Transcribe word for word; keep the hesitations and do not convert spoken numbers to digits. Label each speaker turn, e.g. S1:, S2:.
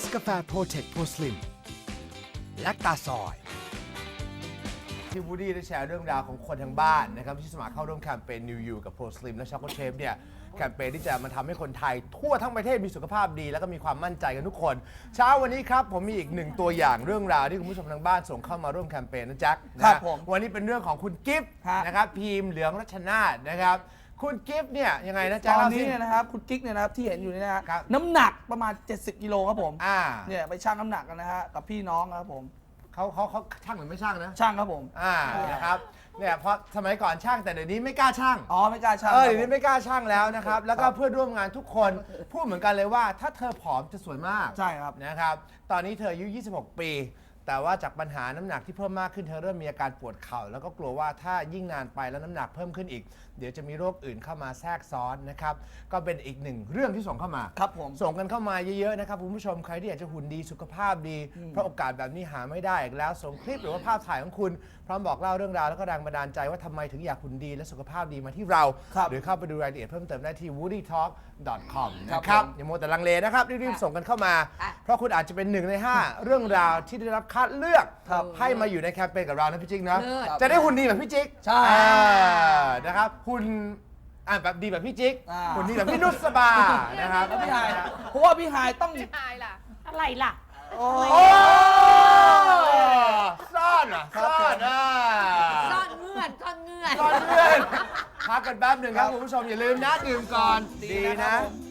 S1: สกาแฟโปรเทคโปรสลิมและตาซอยที่วูดดี้ได้แชร์เรื่องราวของคนทางบ้านนะครับที่สมัครเข้าร่วมแคมเปญ New You กับ Pro Slim และ Choco Chef เนี่ยแคมเปญที่จะมาทำให้คนไทยทั่วทั้งประเทศมีสุขภาพดีแล้วก็มีความมั่นใจกันทุกคน เช้าวันนี้ครับผมมีอีกหนึ่งตัวอย่างเรื่องราวที่คุณผู้ชมทางบ้านส่งเข้ามาร่วมแคมเปญนะแจ็คนะครับ
S2: ผม
S1: วันนี้เป็นเรื่องของคุณกิฟต์
S2: ฮะ
S1: นะครับพีมเหลืองรัชนาธิ์นะครับคุณกิฟต์เนี่ยยังไงนะแจ็ค
S2: ตอน
S1: เล่า
S2: นี้
S1: สิ
S2: เนี่ยนะครับคุณกิ๊กเนี่ยนะครับที่เห็นอยู่เนี่ยนะฮะ
S1: ครับ
S2: น้ำหนักประมาณเจ็ดสิบกิโลครับผม
S1: อ่า
S2: เนี่ยไปชั่งน้ำหนักกันนะฮะกับพี่น้องครับผม
S1: เขาเขาเขาช่างหรือไม่ช่างนะ
S2: ช่างครับผม
S1: อ่านะครับเนี่ยเพราะสมัยก่อนช่างแต่เดี๋ยวนี้ไม่กล้าช่าง
S2: อ๋อไม่กล้าช่าง
S1: เออ
S2: ครั
S1: เดี๋
S2: บ
S1: ยว
S2: ผ
S1: นี้
S2: ม
S1: ไม่กล้าช่างแล้วนะครับ แล้วก็เพื่อนร่วมงานทุกคนพูดเหมือนกันเลยว่าถ้าเธอผอมจะสวยมาก
S2: ใช่ครับ
S1: นะครับ ตอนนี้เธออายุ ยี่สิบหก ปี แต่ว่าจากปัญหาน้ำหนักที่เพิ่มมากขึ้นเธอเริ่มมีอาการปวดเข่าแล้วก็กลัวว่าถ้ายิ่งนานไปแล้วน้ำหนักเพิ่มขึ้นอีก เดี๋ยวจะมีโรคอื่นเข้ามาแทรกซ้อนนะครับก็เป็นอีกหนึ่งเรื่องที่ส่งเข้ามา
S2: ครับผม
S1: ส่งกันเข้ามาเยอะๆนะครับคุณผู้ชมใครที่อยากจะหุ่นดีสุขภาพดี เพราะโอกาสแบบนี้หาไม่ได้อีกแล้วส่งคลิปหรือว่าภาพถ่ายของคุณพร้อมบอกเล่าเรื่องราวแล้วก็แรงบันดาลใจว่าทำไมถึงอยากหุ่นดีและสุขภาพดีมาที่เรา
S2: ครับ
S1: หรือเข้าไปดูรายละเอียดเพิ่มเติมได้ที่ วูดดี้ทอล์ก ดอท คอม
S2: ครับ
S1: นะครับ
S2: ผม
S1: อย่ามัวแต่ลังเลนะครับรีบๆส่งกันเข้ามา
S3: ค่ะ
S1: เพราะคุณอาจจะเป็นหนึ่งในห้าเรื่องราวที่ได้รับคัดเลือก
S2: ครับ
S1: ให้มาอยู่ในแคมเปญกับเรานะพี่จิ๊กนะ
S3: เลิศ
S1: จะได้หุ่นดีแบบพี่จิ๊ก
S2: ใช่
S1: อ่านะครับหุ่นอ่าแบบดีแบบพี่จิ๊ก
S2: อ่า
S1: หุ่นดีแบบพี่นุชสบานะครับ
S2: แล้วพี่หายเพราะว่าพี่หายต้อง
S3: ไม่ตายล่ะ อะไรล่ะ
S2: โอ้
S1: โอ้ซ่อนอ่ะซ่อนอ่ะ
S3: ซ่อนเงื่อนซ่อนเงื่อน
S1: ซ่อนเพื่อนพักกันแป๊บหนึ่งครับคุณผู้ชมอย่าลืมนะดื่มก่อนดีนะ